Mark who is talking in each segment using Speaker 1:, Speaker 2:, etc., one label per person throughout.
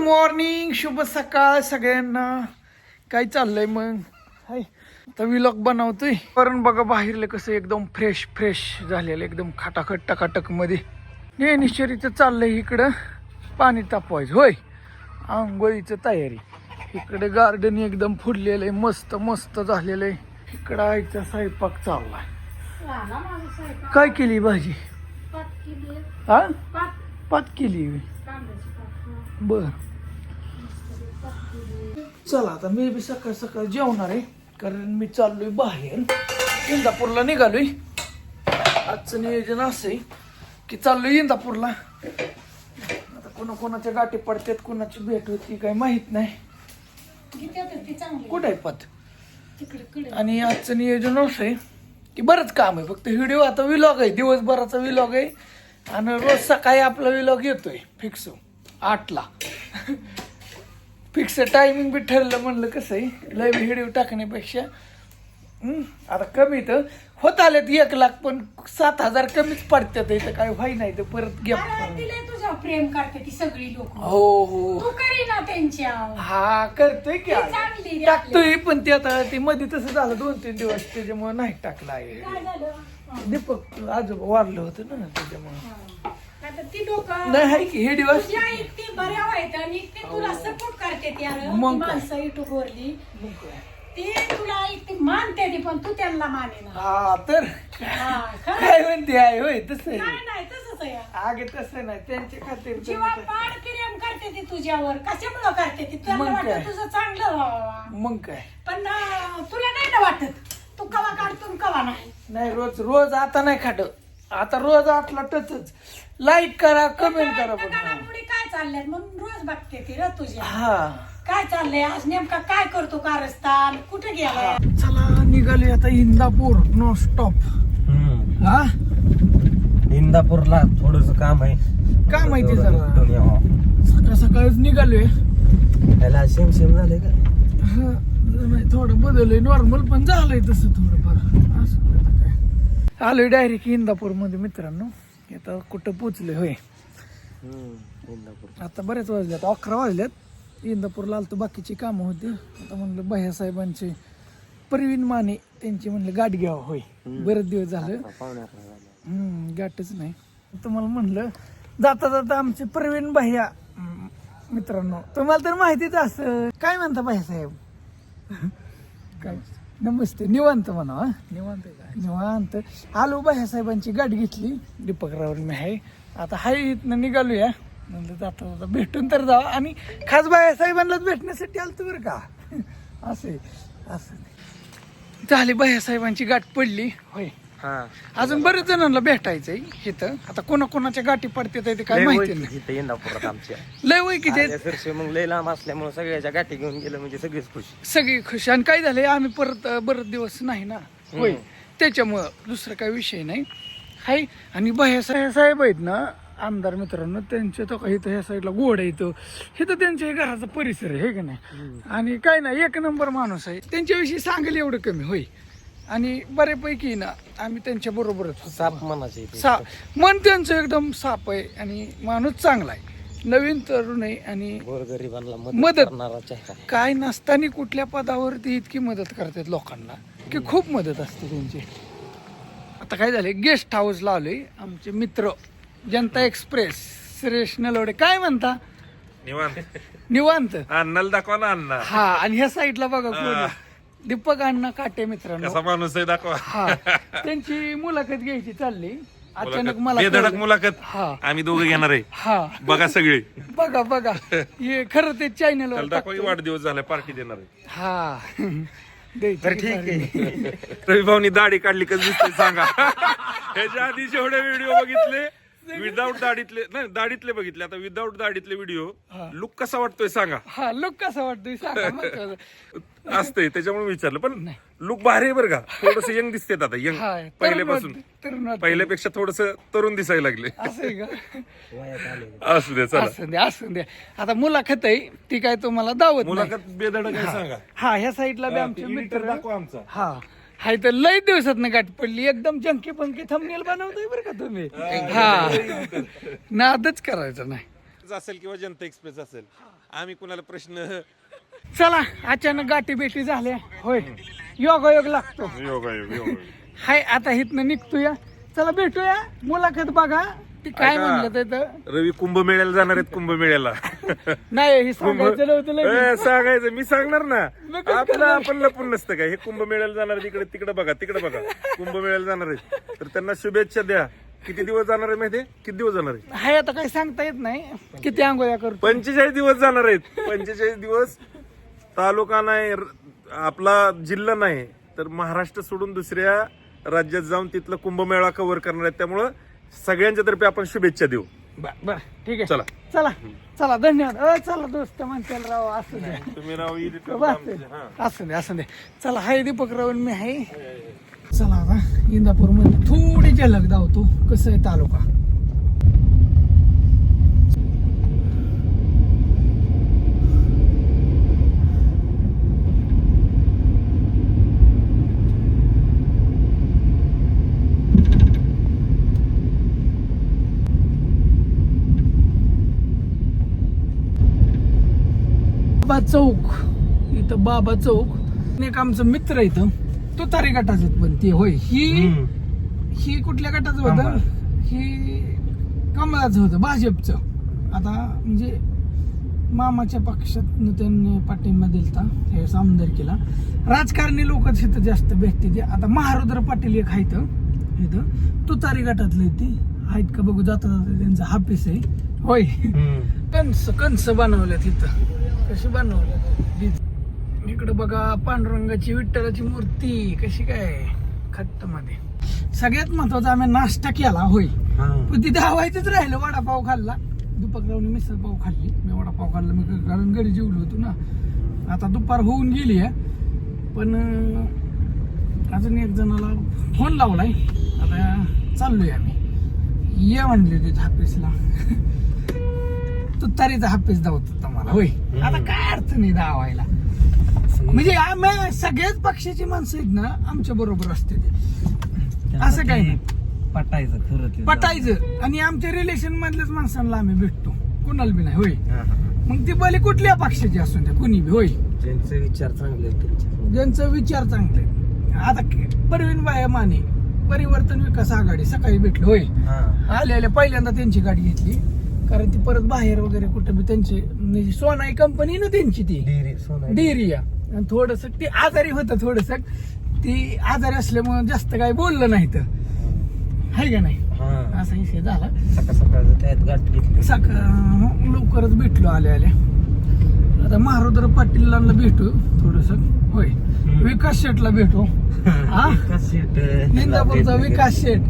Speaker 1: Morning, शुभ सकाळ सगळ्यांना. काय चाललंय मग? हाय आता व्लॉग बनवतोय. कारण बघा बाहेरले कसं एकदम फ्रेश फ्रेश झालेलं, एकदम खटाखट टकाटक मध्ये. नेहमीश्वरीचं चाललंय इकडं पाणी तापवायचं. होय, आंघोळीचं तयारी. इकडे गार्डन एकदम फुललेलं आहे, मस्त मस्त झालेलं आहे. इकडं आईचा स्वयंपाक चाललाय. काय केली भाजी? हा, पात केली. बर, चला आता मी बी सकाळ सकाळ जेवणार आहे. कारण मी चाललोय बाहेर, इंदापूरला निघालोय. आजचं नियोजन असं आहे की चाललोय इंदापूरला. आता कोणाच्या गाठी पडतात, कोणाची भेट होती काय माहित नाही. कुठे आहे पत? आणि आजचं नियोजन असं आहे की बरंच काम आहे. फक्त व्हिडिओ आता व्लॉग आहे, दिवसभराचा व्लॉग आहे. आणि रोज सकाळी आपला व्लॉग येतोय फिक्स 8ला. फिक्स टायमिंग बी ठरलं. म्हणलं कसं आहे, लाईव्ह व्हिडिओ टाकण्यापेक्षा आता कमी तर होत आलेत 1 लाख, पण 7,000 कमीच पडतात. इथं काय व्हाय नाही तर परत घ्या.
Speaker 2: तुझ्या प्रेम करते ती सगळी लोक.
Speaker 1: हो हो,
Speaker 2: तू करी ना त्यांच्या.
Speaker 1: हा करतोय की,
Speaker 2: चांगली
Speaker 1: टाकतोय. पण ते आता ते मध्ये तसं झालं 2-3 दिवस, त्याच्यामुळे नाही टाकलं आहे.
Speaker 2: काय झालं?
Speaker 1: दीपक आजोबा वारलं होतं ना, त्याच्यामुळे
Speaker 2: आता ती लोक
Speaker 1: नाही आहे की हे दिवस.
Speaker 2: तुझ्या इतकी बऱ्या वाईट आणि इतकी तुला सपोर्ट करते ती. यार
Speaker 1: मग काय?
Speaker 2: माणसं युट्यूब वरली ती तुला इतकी मानते ती, पण तू त्यांना माने ना.
Speaker 1: हा तर
Speaker 2: हा, खरं.
Speaker 1: काय म्हणते आहे? होय तसं आहे.
Speaker 2: नाही तसंच आहे.
Speaker 1: आगे तसं नाही, त्यांच्या खातीर
Speaker 2: जीवा पाड प्रेम करते ती तुझ्यावर. कशामुळं करते ती? तुला
Speaker 1: मग काय?
Speaker 2: वाटतं तुझं चांगलं व्हावं,
Speaker 1: मग काय.
Speaker 2: पण तुला नाही ना वाटत. तू कवा काढतो कवा नाही.
Speaker 1: रोज आता नाही खाट. आता रोज 8ला टचच. लाईक करा, कमेंट करा.
Speaker 2: पुढे काय चाललंय म्हणून रोज बघते ती र तुझ्या.
Speaker 1: हा
Speaker 2: काय चाललंय आज नेमका? काय करतो कारस्थान? कुठे गेलाय?
Speaker 1: चला निघाले आता इंदापूर नो स्टॉप. हा,
Speaker 3: इंदापूरला थोडस काम आहे.
Speaker 1: काय माहिती जरा
Speaker 3: यावं.
Speaker 1: सकाळ सकाळच निघालोय.
Speaker 3: त्याला शेम झाले का?
Speaker 1: हा, नाही थोडं बदललंय. नॉर्मल पण झालंय तसं थोडंफार. असं काय आलोय डायरेक्ट इंदापूर मध्ये मित्रांनो. आता कुठं पोचलोय? होय,
Speaker 3: इंदापूर.
Speaker 1: आता बरेच वाजल्यात, 11 वाजल्यात. इंदापूरला आलतो, बाकीची कामं होती. आता म्हणलं भैयासाहेबांचे, प्रवीण माने त्यांची म्हणलं गाठ घ्यावं. होय, बरेच दिवस झालं गाठच नाही. तुम्हाला म्हणलं जाता जाता आमचे प्रवीण भैया मित्रांनो, तुम्हाला तर माहितीच असं. काय म्हणता भैयासाहेब? काय नमस्ते, निवांत म्हणा. हा, निवांत निवांत. आलो, भैयासाहेबांची गाठ घेतली. दीपकरावर मी आहे आता. हाय इथनं निघालूया. म्हणलं जाता जाता भेटून तर जावं. आणि खास भैयासाहेबांनाच भेटण्यासाठी आलतो बरं का. असं झाली भैयासाहेबांची गाठ पडली. होय, अजून बरेच जणांना भेटायचंय इथं. आता कोणाच्या गाठी पडतात ते काय माहिती नाही.
Speaker 3: इंदापुरात आमच्या
Speaker 1: लय ओळखीचे,
Speaker 3: मग लय लांब असल्यामुळे सगळ्याच्या गाठी घेऊन गेलं म्हणजे सगळीच खुश.
Speaker 1: सगळी खुश. आणि काय झालंय, आम्ही परत बरेच दिवस नाही ना. होय, त्याच्यामुळं दुसरा काही विषय नाही. हाय, आणि भैयासाहेब आहेत ना आमदार मित्रांनो, त्यांचे तो काही ह्या साईडला गोड येतो. हे तर त्यांच्या घराचा परिसर आहे, हे का नाही. आणि काय नाही, 1 नंबर माणूस आहे. त्यांच्याविषयी सांगेल एवढं कमी. होय, आणि बऱ्यापैकी ना आम्ही त्यांच्या बरोबरच होतो.
Speaker 3: साप मनाचे
Speaker 1: मन त्यांचं एकदम साप आहे. आणि माणूस चांगला आहे, नवीन तरुण आहे. आणि
Speaker 3: गोरगरिबांना
Speaker 1: मदत
Speaker 3: करणारा चेहरा.
Speaker 1: काय नसताना कुठल्या पदावरती इतकी मदत करतात लोकांना की खूप मदत असते त्यांची. आता काय झाले, गेस्ट हाऊस लावले आमचे मित्र जनता एक्सप्रेस सुरेश नलवडे. काय म्हणता? निवांत
Speaker 4: अन्नाला दाखवा ना अण्णा.
Speaker 1: हा, आणि ह्या साईडला बघा कोण? दीपक अण्णा काटे मित्रांनो.
Speaker 4: कसा माणूस आहे दाखवा.
Speaker 1: हा, त्यांची मुलाखत घ्यायची चालली. अचानक मला
Speaker 4: बेधडक
Speaker 1: कळलं.
Speaker 4: मुलाखत
Speaker 1: हा
Speaker 4: आम्ही दोघं घेणार आहे.
Speaker 1: हा,
Speaker 4: बघा सगळे.
Speaker 1: बघा हे खरं ते चॅनलवर
Speaker 4: दाखवा, वाढदिवस झाला, पार्टी देणार आहे.
Speaker 1: हा
Speaker 3: तर ठीक आहे.
Speaker 4: रवी भाऊनी दाढी काढली कसं दिसतंय सांगा. ह्याच्या आधी जेवढे व्हिडिओ बघितले विदाऊट दाढीतले, नाही दाढीतले बघितले, आता विदाऊट दाढीतले व्हिडिओ. लुक कसा वाटतोय सांगा.
Speaker 1: हा, लुक कसा वाटतोय सांगा.
Speaker 4: असतंय त्याच्यामुळे विचारलं. पण लुक भारी आहे बरं का. थोडस यंग दिसतेत आता, यंग
Speaker 1: हा,
Speaker 4: पहिल्यापासून.
Speaker 1: तरुण
Speaker 4: पहिल्यापेक्षा थोडस तरुण दिसायला लागले.
Speaker 1: असं आहे का?
Speaker 4: असू दे, चला.
Speaker 1: असू द्या. आता मुलाखत आहे ती काय तुम्हाला दावत नाही.
Speaker 4: मुलाखत बेधडक आहे सांगा.
Speaker 1: हा, ह्या साईडला बी आमचे मित्र
Speaker 4: दाखवा आमचा.
Speaker 1: हा, हाय तर लय दिवसात गाठ पडली. एकदम जंकी पंकी थंबनेल बनवतोय बरं का तुम्ही. हा, नादच करायचं नाही.
Speaker 4: असेल किंवा जनता एक्सप्रेस असेल, आम्ही कुणाला प्रश्न
Speaker 1: चला अचानक गाठी बेटी झाल्या होय योगायोग लागतो
Speaker 4: योगायोग
Speaker 1: हाय आता इथनं निघतोया चला भेटूया मुलाखत बघा ती काय म्हणलं तर
Speaker 4: रवी कुंभमेळ्याला जाणार आहेत कुंभमेळ्याला
Speaker 1: नाही हे सांगायचं नव्हतं लगेच.
Speaker 4: सांगायचं मी सांगणार ना आपलं आपण लपून नसतं काय हे कुंभमेळ्याला जाणार तिकडे तिकडे बघा कुंभमेळ्याला जाणार आहेत तर त्यांना शुभेच्छा द्या. किती दिवस जाणार आहे माहितीये किती दिवस जाणार आहे
Speaker 1: हाय आता काही सांगता येत नाही किती आंघोळ्या करतो
Speaker 4: 45 दिवस जाणार आहेत 45 दिवस तालुका नाही आपला जिल्हा नाही तर महाराष्ट्र सोडून दुसऱ्या राज्यात जाऊन तिथलं कुंभमेळा कव्हर करणार आहेत त्यामुळं सगळ्यांच्या तर्फे आपण शुभेच्छा देऊ.
Speaker 1: बर ठीक आहे
Speaker 4: चला
Speaker 1: चला चला धन्यवाद चला दोस्त म्हणते राव असू दे
Speaker 4: तुम्ही नाव
Speaker 1: असू दे असू दे चला हाय दीपक राव मी आहे चला आता इंदापूर मध्ये थोडी झलक धावतो कसं आहे तालुका बाबा चौक इथं बाबा चौक एक आमचं मित्र इथं तो तारी गटाच पण ते होय ही कुठल्या गटाचं होतं ही कमळाचं होतं भाजपचं आता म्हणजे मामाच्या पक्षात त्यांनी पाठिंबा दिलता त्यावेळेस आमदारकीला राजकारणी लोक तिथं जास्त भेटते ते आता महारुद्र पाटील एक आहेत इथं तुतारी गटातले ती आहेत का बघू जाता जाता त्यांचा हापीस आहे होय कंस बनवल्या तिथं कशी बनवल्या इकडे बघा पांडुरंगाची विठ्ठलाची मूर्ती कशी काय खट्ट मध्ये सगळ्यात महत्वाचा आम्ही नाश्ता केला होय पण तिथे हवायचंच राहिलं वडापाव खाल्ला दुपाररावने मिसळ पाव खाल्ली मी वडापाव खाल्ला मी कारण घरी जेवलो होतो ना आता दुपार होऊन गेली आहे पण अजून एक जणाला फोन लावलाय आता चाललोय आम्ही ये म्हणले तिथे हापीसला तुतारीचा हापीस धावतो तुम्हाला होय आता काय अर्थ नाही धावायला म्हणजे आम्ही सगळ्याच पक्षाची माणसं आहेत ना आमच्या बरोबर असते ते असं काही नाही
Speaker 3: पटायचं खरं
Speaker 1: पटायचं आणि आमच्या रिलेशन मधल्याच माणसांना आम्ही भेटतो कुणाला बी नाही होय मग ती भले कुठल्या पक्षाची असून द्या कुणी बी होय
Speaker 3: ज्यांचे विचार चांगले
Speaker 1: ज्यांचं विचार चांगले आता परवीन बाया माने परिवर्तन विकास आघाडी सकाळी भेटलो होय आले पहिल्यांदा त्यांची गाडी घेतली कारण ती परत बाहेर वगैरे कुठे बी त्यांची म्हणजे सोनाई कंपनी ना त्यांची ती डेअरी आणि थोडस ती आजारी होतं थोडस ती आजारी असल्यामुळे जास्त काही बोललं नाही तर आहे का नाही असा विषय झाला
Speaker 3: सकाळ त्यात गाठ घेतली
Speaker 1: लवकरच भेटलो आले आता महारुद्र पाटीलांना भेटू थोडस होय विकास शेटला भेटू इंदापूरचा विकास शेट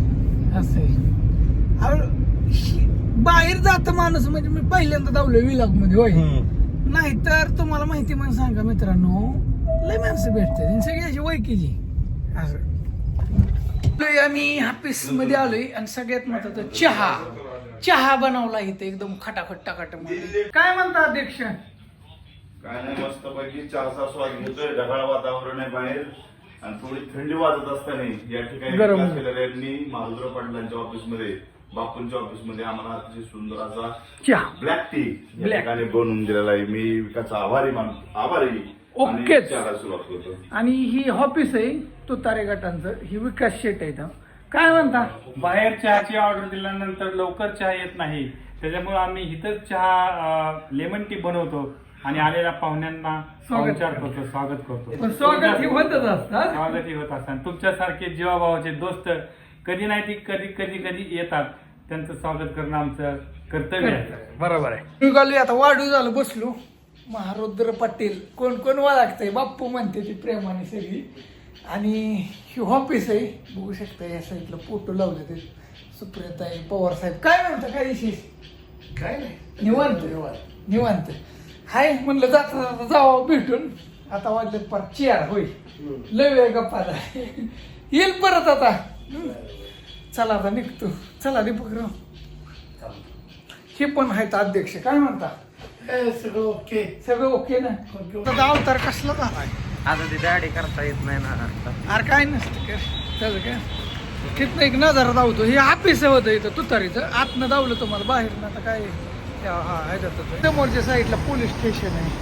Speaker 1: असं बाहेर जात माणूस म्हणजे मी पहिल्यांदा धावलोय विलाग मध्ये होय नाहीतर तुम्हाला माहिती म्हणून सांगा मित्रांनो लय माणसं भेटते सगळी अशी वैकीची असं आम्ही हापीस मध्ये आलोय आणि सगळ्यात महत्वाचं चहा बनवला इथे एकदम खटाखट टाकाट मध्ये काय म्हणता अध्यक्ष
Speaker 5: काय नाही मस्त पैकी चहाचा स्वाद घेतोय ढगाळ वातावरण आहे बाहेर आणि थोडी थंडी वाजत असताना या ठिकाणी
Speaker 1: गरम.
Speaker 5: विकास केलेल्या यांनी महारुद्र पाटलांच्या ऑफिस मध्ये बापूंच्या ऑफिस मध्ये आम्हाला अतिशय सुंदर असा
Speaker 1: चहा
Speaker 5: ब्लॅक टी या ठिकाणी बनवून दिलेला आहे मी विकासचा आभारी
Speaker 1: ओके.
Speaker 5: चहाला सुरुवात करतो
Speaker 1: आणि ही ऑफिस आहे तुतारे गटांचं ही विकास शेट आहे इथं. काय म्हणता
Speaker 6: बाहेर चहाची ऑर्डर दिल्यानंतर लवकर चहा येत नाही त्याच्यामुळे आम्ही इथंच चहा लेमन टी बनवतो आणि आलेल्या पाहुण्यांना पाहुणचार करतो स्वागत करतो
Speaker 1: पण स्वागत हे होतच असतं
Speaker 6: स्वागतही होत असतात तुमच्यासारखे जीवाभावाचे दोस्त कधी नाही ती कधी येतात त्यांचं स्वागत करणं आमचं कर्तव्य आहे
Speaker 1: बरोबर आहे निघालो आता वाढू झालं बसलो महारुद्र पाटील कोण कोण ओळखतंय बाप्पू म्हणते ती प्रेमाने सगळी आणि ही ऑफिस आहे बघू शकता या साईडला फोटो लावले ते सुप्रियाताई पवार साहेब काय म्हणता काय विशेष काय नाही निवांत हाय म्हणलं जाता जावं भेटून आता वाजले पर चेअर होय लय वेळ गप्पा येईल परत आता चला आता निघतो चला दीपकराव हे पण आहेत अध्यक्ष काय म्हणता सगळं ओके ना आता अवतार कसला झालाय
Speaker 3: आता ती दाढी करता येत नाही ना
Speaker 1: अरे काय नसतं काय त्याचं काय तिथनं एक नजारा धावतो हे ऑफिस होतं इथं तुतारीचं आतनं धावलं तुम्हाला बाहेर ना आता काय समोरच्या साईडला पोलीस स्टेशन आहे.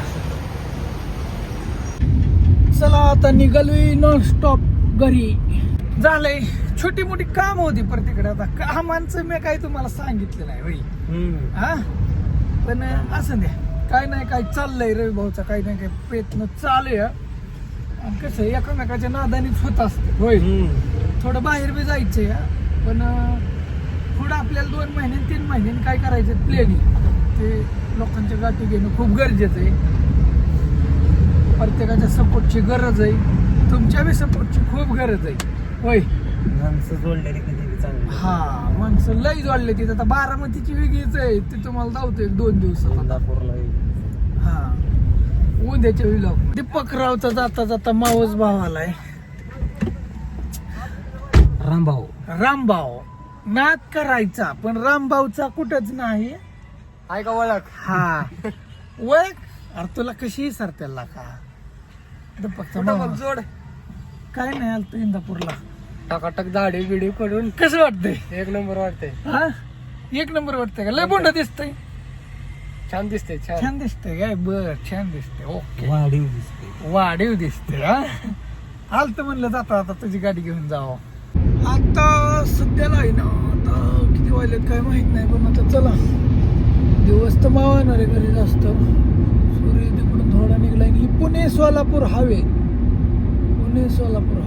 Speaker 1: चला आता निघालोय नॉन स्टॉप घरी. झालंय छोटी मोठी काम होती प्रत्येकडे. आता कामांचं मी काही तुम्हाला सांगितलं नाही होईल हा, पण असं द्या काय नाही काय चाललंय रवी भाऊचा काही नाही काय प्रयत्न चालू आहे. आणि कसं एकामेकाच्या नादानीच होत असते होय. थोडं बाहेर बी जायचंय हा, पण पुढं आपल्याला 2 महिन्यांनी 3 महिन्यांनी काय करायचं प्लॅनिंग ते लोकांच्या गाठी घेणं खूप गरजेचं आहे. प्रत्येकाच्या सपोर्टची गरज आहे, तुमच्या बी सपोर्टची खूप गरज आहे होय.
Speaker 3: माणसं जोडलेली कधी चांगली.
Speaker 1: हा माणसं लई जोडले तिथे. आता बारामतीची वेगळीच आहे ती तुम्हाला धावतो 1-2 दिवसात.
Speaker 3: इंदापूरला
Speaker 1: हा उद्याच्या विलॉग. दीपकरावचा जाता जाता मावस भाव आलाय.
Speaker 3: रामभाऊ
Speaker 1: रामभाऊ नाद करायचा पण रामभाऊचा कुठंच नाही.
Speaker 3: आहे का ओळख?
Speaker 1: हा ओळख अरे तुला कशी सरतेला का दीपकचा मामा.
Speaker 3: जोड
Speaker 1: काय नाही आलतो इंदापूरला.
Speaker 3: टाकाटक दाढी बिडी करून
Speaker 1: कसं वाटतंय?
Speaker 3: 1 नंबर वाटतंय.
Speaker 1: हा 1 नंबर वाटतंय का? लय बोंड दिसतंय.
Speaker 3: छान दिसते.
Speaker 1: छान दिसतंय काय? बर छान दिसतंय. ओके
Speaker 3: वाढीव दिसते.
Speaker 1: वाढीव दिसते. हा आलत म्हणलं जाता आता तुझी गाडी घेऊन जावं. आता सध्याला आहे ना आता किती वाजलेत काय माहित नाही, पण आता चला दिवस तर मावणार आहे घरी जास्त. सूर्य तिकडून थोडा निघलाय. ही पुणे सोलापूर हायवे, पुणे सोलापूर